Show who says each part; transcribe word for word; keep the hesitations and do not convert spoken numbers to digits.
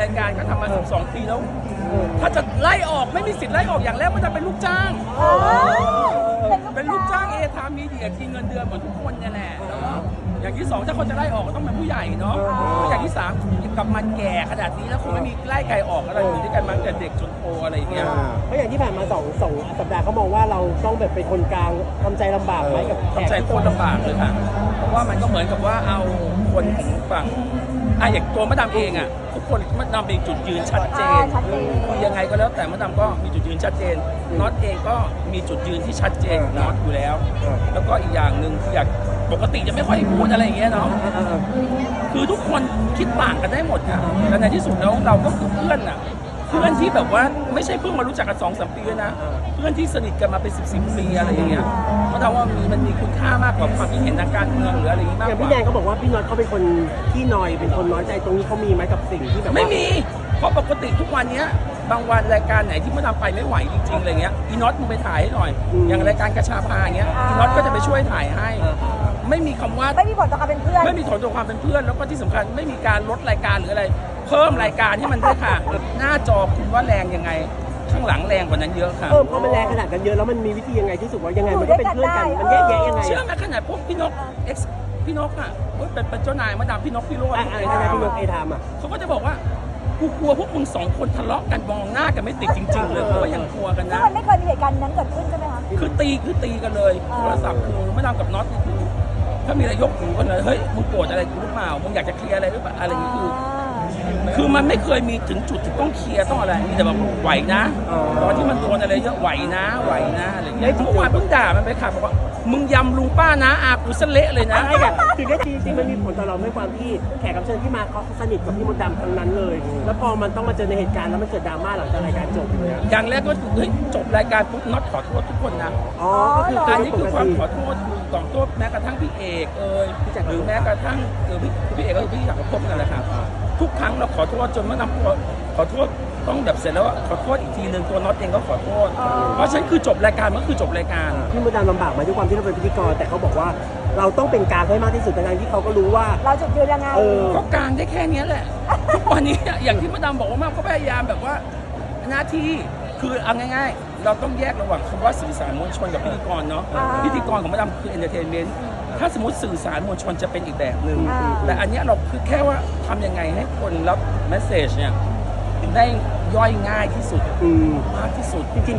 Speaker 1: ายการก็ทำมาสิบสองปีแล้ว ถ้าจะไล่ออกไม่มีสิทธิ์ไล่ออกอย่างแรกมันจะเป็นลูกจ้าง เป็นลูกจ้างเอทามมีเดียกินเงินเดือนเหมือนทุกคนเนี่ยแหละแล้วก็อย่างที่สองถ้าคนจะไล่ออกก็ต้องเป็นผู้ใหญ่เนาะแล้วอย่างที่สามกับมันแก่ขนาดนี้แล้วคงไม่มีไล่ไกลออกอะไรอยู่ด้วยกันมาตั้งแต่เด็กจนโตอะไรอย่างเงี้ย
Speaker 2: เพราะอย่างที่ผ่านมาสองสองสัปดาห์เขามองว่าเราต้องแบบเป็นคนกลางทำใจลำบากไหมกับแขก
Speaker 1: ทำใจคนลำบากเลยค่ะเพราะว่ามันก็เหมือนกับว่าเอาคนของฝั่งอ่ะอย่างตัวมะดามเองอ่ะทุกคนมะดามเองจุดยืนชัดเจนคือยังไงก็แล้วแต่มะดามก็มีจุดยืนชัดเจนน็อตเองก็มีจุดยืนที่ชัดเจนน็อตอยู่แล้ว แล้วก็อีกอย่างหนึ่งคืออยากปกติจะไม่ค่อยพูดอะไรอย่างเงี้ยเนาะคือทุกคนคิดต่างกันได้หมดค่ะแต่ในที่สุดแล้วเราก็คือเพื่อนอ่ะเพื่อนที่แบบว่าไม่ใช่เพิ่งมารู้จักกันสองสามปีนะเพื่อนที่สนิทกันมาเป็นสิบสิบปีอะไรอย่างเงี้ยเพราะเราว่ามีมันมีคุณค่ามากกว่าความคิดเห็นทางการเมืองหรืออะไรอย่างงี้มาก
Speaker 2: อย่าง
Speaker 1: ก
Speaker 2: พี่
Speaker 1: ว่า
Speaker 2: แดงเขาบอกว่าพี่น็อตเขาเป็นคนที่นอยเป็นคนน้อยใจตรงนี้เขามีไหมกับสิ่งที่แบบว่า
Speaker 1: ไม่มีเพราะปกติทุกวันเนี้ยบางวันรายการไหนที่มะดามไปไม่ไหวจริงๆอะไรเงี้ยอีน็อตมึงไปถ่ายให้หน่อยอย่างรายการกระชาพาอย่างเงี้ยอีน็อตก็จะไปช่วยถ่ายให้ไม่มีคำว่า
Speaker 3: ไม่มีผลต่อการเป็นเพื่อน
Speaker 1: ไม่มีผลต่อความเป็นเพื่อนแล้วก็ที่สำคัญไม่มีการลดรายการหรืออะไร เพิ่มรายการให้มันด้วยค่ะ หน้าจอคุณว่าแรงยังไงข้างหลังแรงกว่านั้นเยอะค่ะ
Speaker 2: เออพอมันแรงขนาดกันเยอะแล้วมันมีวิธียังไงที่สุดว่ายังไงมันก็เป็นเพื่อนกันมันแยกแยะยังไง
Speaker 1: เชื่อไหมขนาดพวกพี่นกเอ็กซ์พี่นกอ่ะเฮ้ยเป็นเป็นเจ้านายมาดามพี่นกพี่โรจน์
Speaker 2: อ่ะอะไรนะพี่นกเอทามอ่ะ
Speaker 1: เขาก็จะบอกว่ากูกลัวพวกมึงสองคนทะเลาะกันมองหน้ากันไม่ติดจริง ๆ เลยเพราะว่ายังกลัวกัน
Speaker 3: ซึ่ง
Speaker 1: นะ
Speaker 3: มันไม่เคยมีเหตุการณ์นั้นเกิดขึ้นใช่ไหมคะ
Speaker 1: คือตีคือตีกันเลยโทรศัพท์คือมาดามกับน็อตนี่คือถ้ามีอะไรยกหูกันเลยเฮ้ยมึงโกรธอะไรกูหรือเปล่ามึงอยากจะเคลียร์อะไรหรือเปล่าอะไรอย่างนี้คือ คือมันไม่เคยมีถึงจุดที่ต้องเคลียร์ต้องอะไรมีแต่แบบไหวนะตอนที่มันโดนอะไรเยอะไหวนะไหวนะอะไรอย่างเงี้ยทุกวันเพิ่งด่ามันไปค่ะบอกว่ามึงยำลุงป้านะอากูเสเละเลยนะ
Speaker 2: ใช่อะถึงได้จริงๆมันมีผลต่อเราไม่ความที่แขกรับเชิญที่มาเขาสนิทกับพี่มดดำทั้งนั้นเลย แล้วพอมันต้องมาเจอในเหตุการณ์แล้วมันเกิดดราม่าหลังจากรายการจบเลยอะ
Speaker 1: อย่างแรกก็เฮ้ยจบรายการปุ๊บน็อตขอโทษทุกคนนะ
Speaker 2: อ๋อก็คือ
Speaker 1: อันนี้
Speaker 2: ป
Speaker 1: คือก ความ
Speaker 2: ติ
Speaker 1: ขอโทษคือขอโทษแม้กระทั่งพี่เอกเอ่ยหรือแม้กระทั่งเออพี่พี่เอกก็คือพี่อยากพบกันแหละครับทุกครั้งเราขอโทษจนเมื่อนำตัวขอโทษต้องแบบเสร็จแล้วอะขอโทษอีกทีหนึ่งตัวน็อตเองก็ขอโทษ เพราะฉะนั้นคือจบรายการมันคือจบรายการ
Speaker 2: พี่มดดำลำบากไหมาด้วยความที่เราเป็นพิธีกรแต่เขาบอกว่าเราต้องเป็นกลางให้มากที่สุดทั้งที่เขาก็รู้ว่า
Speaker 3: เราจุดยืนยังไง
Speaker 2: เออ
Speaker 1: ก็กลางได้แค่เนี้ยแหละ ทุกวันนี้อย่างที่มาดามบอกว่ามากก็พยายามแบบว่าหน้าที่คือเอาง่ายๆ เราต้องแยกระหว่างคำว่าสื่อสารมวลชนกับพิธีกรเนาะ
Speaker 3: อ่า
Speaker 1: พิธีกรของมาดามคือเอนเตอร์เทนเมนต์ถ้าสมมติสื่อสารมวลชนจะเป็นอีกแบบหนึ่ง
Speaker 3: อ่า
Speaker 1: แต่อันเนี้ยเราคือแค่ว่าทำยังไงให้คนรับเมสเซจเนี่ยได้ย่อยง่ายที่สุด
Speaker 2: อืม
Speaker 1: มากที่สุด
Speaker 2: จริงๆ